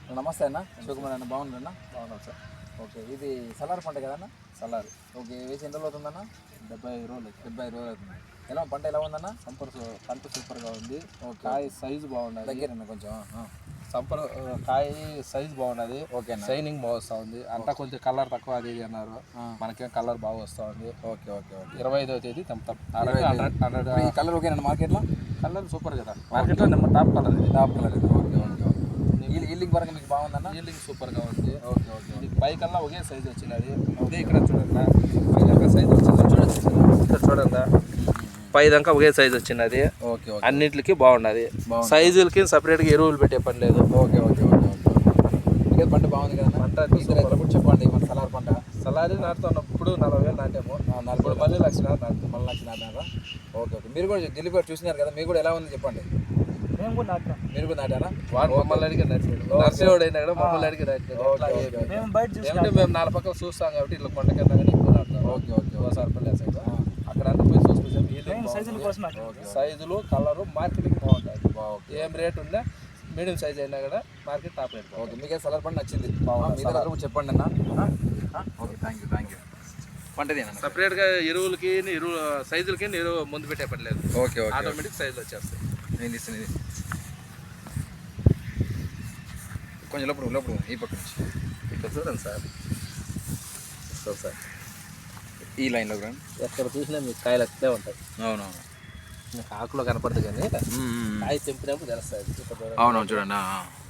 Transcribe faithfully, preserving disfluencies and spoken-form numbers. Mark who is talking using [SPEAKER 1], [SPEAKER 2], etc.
[SPEAKER 1] నమస్తే అన్న, శివకుమార్ అన్న, బాగున్నారన్న?
[SPEAKER 2] బాగున్నాం సార్.
[SPEAKER 1] ఓకే, ఇది సలార్ పంట కదన్న?
[SPEAKER 2] సలార్.
[SPEAKER 1] ఓకే, వేసి ఎన్ని రోజులు అవుతుందన్న?
[SPEAKER 2] డెబ్బై ఐదు రోజులు
[SPEAKER 1] డెబ్బై ఐదు రోజులు అవుతుంది. ఎలా పంట ఎలా ఉందన్న?
[SPEAKER 2] సంపర్ పంట సూపర్గా ఉంది.
[SPEAKER 1] ఓకే,
[SPEAKER 2] కాయ సైజు బాగున్నది.
[SPEAKER 1] దగ్గరన్న కొంచెం
[SPEAKER 2] సంపర్ కాయ సైజు బాగున్నది.
[SPEAKER 1] ఓకే,
[SPEAKER 2] షైనింగ్ బాగా వస్తూ ఉంది. అంతా కొంచెం కలర్ తక్కువ అది ఇది అన్నారు, మనకేం కలర్ బాగా వస్తూ ఉంది.
[SPEAKER 1] ఓకే ఓకే ఓకే
[SPEAKER 2] ఇరవై ఐదవ తేదీ తెంపుతాం. హండ్రెడ్ హండ్రెడ్
[SPEAKER 1] ఈ కలర్ ఓకేనా? మార్కెట్లో
[SPEAKER 2] కలర్ సూపర్ కదా, మార్కెట్లో నెంబర్ టాప్ కలర్ ఇది.
[SPEAKER 1] Top colour. Okay okay okay yielding పరంగా మీకు బాగుందన్న?
[SPEAKER 2] ఈల్డింగ్ సూపర్గా ఉంది.
[SPEAKER 1] ఓకే ఓకే
[SPEAKER 2] ఇది పైకల్లా ఒకే సైజు వచ్చినది. అదే ఇక్కడ చూడండి, పైదాకా సైజు వచ్చింది. చూడండి ఇక్కడ చూడండి, పైదాకా ఒకే సైజు వచ్చినది.
[SPEAKER 1] ఓకే ఓకే
[SPEAKER 2] అన్నింటికి బాగున్నది. సైజులకి సపరేట్గా ఎరువులు పెట్టే పని లేదు.
[SPEAKER 1] ఓకే ఓకే ఓకే ఓకే పంట బాగుంది కదా? పంట కూడా చెప్పండి. మన సలార్ పంట
[SPEAKER 2] సలారీ నాటుతున్నప్పుడు నలభై వేలు నాటాము. ఇప్పుడు మళ్ళీ లక్ష నాటు
[SPEAKER 1] మళ్ళీ లక్ష నాటారా? ఓకే ఓకే మీరు కూడా ఢిల్లీ కూడా చూసినారు కదా, మీకు కూడా ఎలా ఉంది చెప్పండి.
[SPEAKER 3] మేము కూడా నాటాం.
[SPEAKER 1] మీరు కూడా నాటారా?
[SPEAKER 2] వాడు మమ్మల్ని అడిగి నడిచాడు, నర్సేవాడు అయినా కూడా మమ్మల్ని అడిగి నడిచాడు.
[SPEAKER 3] మేము బయట
[SPEAKER 2] ఏమంటే మేము నాలుగు పక్కల చూస్తాం కాబట్టి ఇట్లా కొండ కింద కానీ ఎక్కువ నాటుతాం.
[SPEAKER 1] ఓకే ఓకే
[SPEAKER 2] ఒకసారి పల్లె సైడ్ అక్కడ అంతా పోయి చూసుకొచ్చాం.
[SPEAKER 3] సైజుల కోసం నాటాం.
[SPEAKER 2] సైజులు కలరు మార్కెటింగ్ బాగుంటుంది. ఏం రేట్ ఉందా మీడియం సైజ్ అయినా కూడా మార్కెట్ టాప్ రేట్.
[SPEAKER 1] ఓకే, మీకే సలార్ పంట నచ్చింది? మీ దగ్గర కూడా చెప్పండి అన్న. Okay, thank you thank you పంటది అన్న.
[SPEAKER 2] సపరేట్గా ఎరువులకి ఎరువు సైజులకి ఎరువు ముందు పెట్టే పని లేదు.
[SPEAKER 1] ఓకే ఓకే
[SPEAKER 2] ఆటోమేటిక్ సైజులు వచ్చేస్తాయి.
[SPEAKER 1] నేను తీస్తాను ఇది కొంచెం లోపల లోపల ఈ పక్క నుంచి
[SPEAKER 2] ఇక్కడ చూడండి సార్, సార్ సార్
[SPEAKER 1] ఈ లైన్లో రండి.
[SPEAKER 2] ఎక్కడ చూసినా మీకు కాయలు అట్లే ఉంటాయి.
[SPEAKER 1] అవునవును,
[SPEAKER 2] మీకు ఆకులో కనపడదు కానీ కాయ తెంపినప్పుడు తెలుస్తుంది.
[SPEAKER 1] అవునవును చూడండి.